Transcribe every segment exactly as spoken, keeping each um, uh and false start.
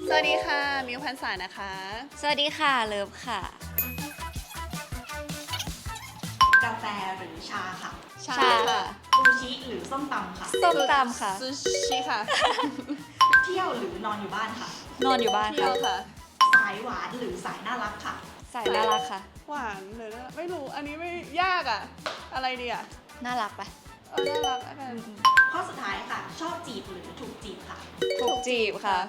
สวัสดีค่ะมิวพันษานะคะสวัสดีค่ะเลิฟค่ะกาแฟหรือชาค่ะชาค่ะซูชิหรือส้มตำค่ะส้มตำค่ะซูชิค่ะเที่ยวหรือนอนอยู่บ้านค่ะนอนอยู่บ้านเที่ยค่ะวค่ะสายหวานหรือสายน่ารักค่ะใส่น่ารักค่ะหวานเลยนะไม่รู้อันนี้ไม่ยากอ่ะอะไรดีอ่ะน่ารักปะเออน่ารักแล้วกันข้อสุดท้ายค่ะ ชอบจีบหรือถูกจีบค่ะถูกจีบค่ะ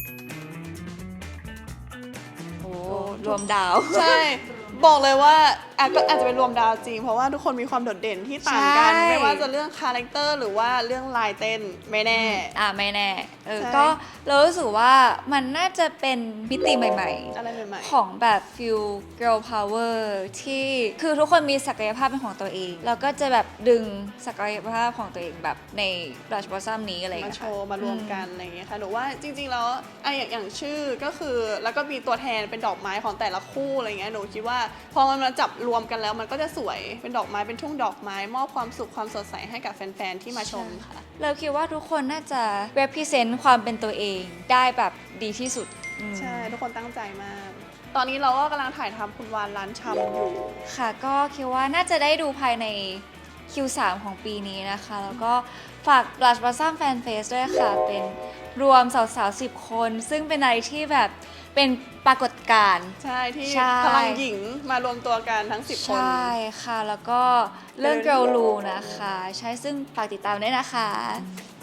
โอ้รวมดาวใช่บอกเลยว่าอาจก็อาจจะเป็นรวมดาวจริงเพราะว่าทุกคนมีความโดดเด่นที่ต่างกันใช่ไม่ว่าจะเรื่องคาแรคเตอร์หรือว่าเรื่องลายเต้นไม่แน่อ่าไม่แน่เออใช่ก็เรารู้สึกว่ามันน่าจะเป็นมิติใหม่อะไรใหม่ๆ ของแบบฟิล girl power ที่คือทุกคนมีศักยภาพเป็นของตัวเอง แล้วก็จะแบบดึงศักยภาพของตัวเองแบบใน Blush Blossom นี้อะไรอย่างๆมาเงี้ยโชค่ะว์มารวมกันอะไรอย่างเงี้ยค่ะหนูว่าจริงๆแล้วไอะอย่างอย่างชื่อก็คือแล้วก็มีตัวแทนเป็นดอกไม้ของแต่ละคู่อะไรเงี้ยหนูคิดว่าพอมันมาจับรวมกันแล้วมันก็จะสวยเป็นดอกไม้เป็นทุ่งดอกไม้มอบความสุขความสดใสให้กับแฟนๆที่มาชมค่ะเราคิดว่าทุกคนน่าจะ represent ความเป็นตัวเองได้แบบดีที่สุดอืมใช่ ทุกคนตั้งใจมาก ตอนนี้เราก็กำลังถ่ายทำคุณวานร้านชำอยู่ค่ะก็คิดว่าน่าจะได้ดูภายใน คิว ทรี ของปีนี้นะคะ แล้วก็ฝาก Blush Blossom Fan Fest ด้วยค่ะ เป็นรวมสาวๆสิบคน ซึ่งเป็นอะไรที่แบบเป็นปรากฏการณ์ใช่ที่ใช่พลังหญิงมารวมตัวกันทั้งสิบคนใช่ค่ะ แล้วก็เรื่อง Girl Rule นะคะ ใช่ซึ่งฝากติดตามด้วยนะคะ